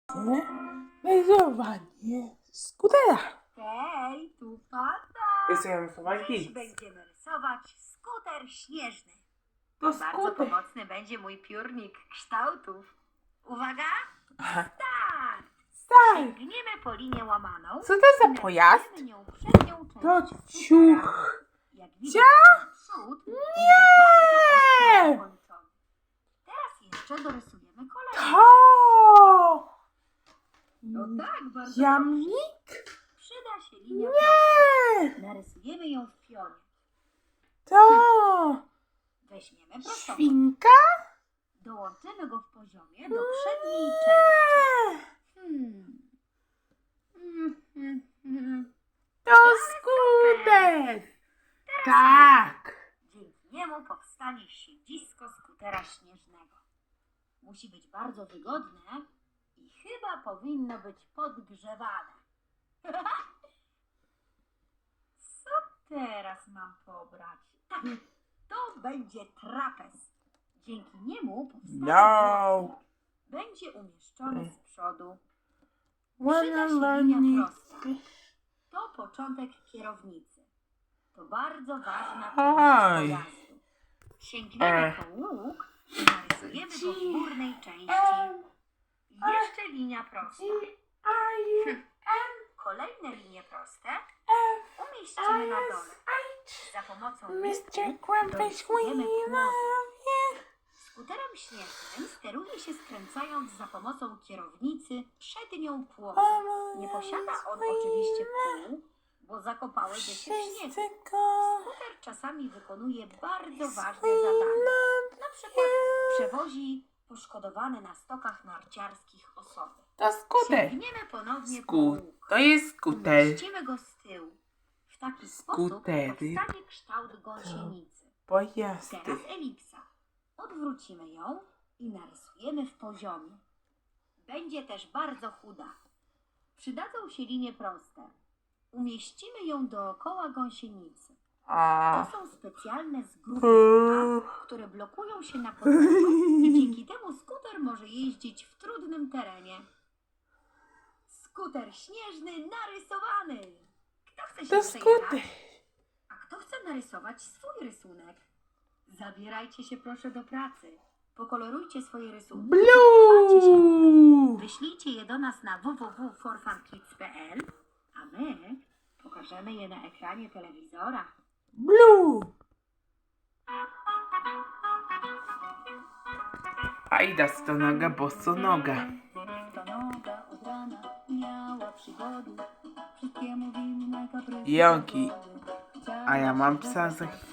Rysowanie skutera. Hej, tu tata. Rysujemy słowa Dziś X. będziemy rysować skuter śnieżny. To Bardzo skuter. pomocny będzie mój piórnik kształtów. Uwaga! Aha. Start! Start. Sięgniemy po linię łamaną. Co to za i pojazd? narysujemy nią przednią część To skutera. ciuch. Jak widać, ten przód będzie bardzo ostro zakończony. Teraz jeszcze dorysujemy kolejny. To. No tak, bardzo dobrze. Jamnik? Przyda się linia prosta. Nie. Narysujemy ją w pionie. To. Weźmiemy prostą. Świnka? Dołączymy go w poziomie do przedniej części. To skuter. Tak. Dzięki niemu powstanie siedzisko skutera śnieżnego. Musi być bardzo wygodne i chyba powinno być podgrzewane. Co teraz mam pobrać? Tak, to będzie trapez. Dzięki niemu powstanie No. płotnik. Będzie umieszczony z przodu. Ładna linia prosta. lanika. To początek kierownicy. To bardzo ważna Oj. część pojazdu. Sięgniemy po łuk i narysujemy go w górnej części. Jeszcze linia prosta. Kolejne linie proste umieścimy na dole. Za pomocą nitki Mr. Grumpy dorysujemy Squeal. płotnik. Skuterem śnieżnym steruje się skręcając za pomocą kierownicy przednią płotę. Nie posiada on oczywiście kół, bo zakopałyby się w śniegu. Skuter czasami wykonuje bardzo ważne zadania. Na przykład przewozi poszkodowane na stokach narciarskich osoby. To skuter. Sięgniemy ponownie po łuk. To jest skuter. Umieścimy go z tyłu. W taki sposób Skutery. powstanie kształt gąsienicy. Pojazdy. Teraz elipsa. Odwrócimy ją i narysujemy w poziomie. Będzie też bardzo chuda. Przydadzą się linie proste. Umieścimy ją dookoła gąsienicy. A. To są specjalne zgrupy, które blokują się na podłodze i dzięki temu skuter może jeździć w trudnym terenie. Skuter śnieżny narysowany. Kto chce się To przejechać? skuter. A kto chce narysować swój rysunek? Zabierajcie się proszę do pracy. Pokolorujcie swoje rysunki. Blue. Wyślijcie je do nas na www.forfunkids.pl, a my pokażemy je na ekranie telewizora. Blue. Ajda stonoga, bosonoga. Stonoga od rana miała przygody. Wszystkiemu winna kaprysy Jogi. pogody. A ja mam psa za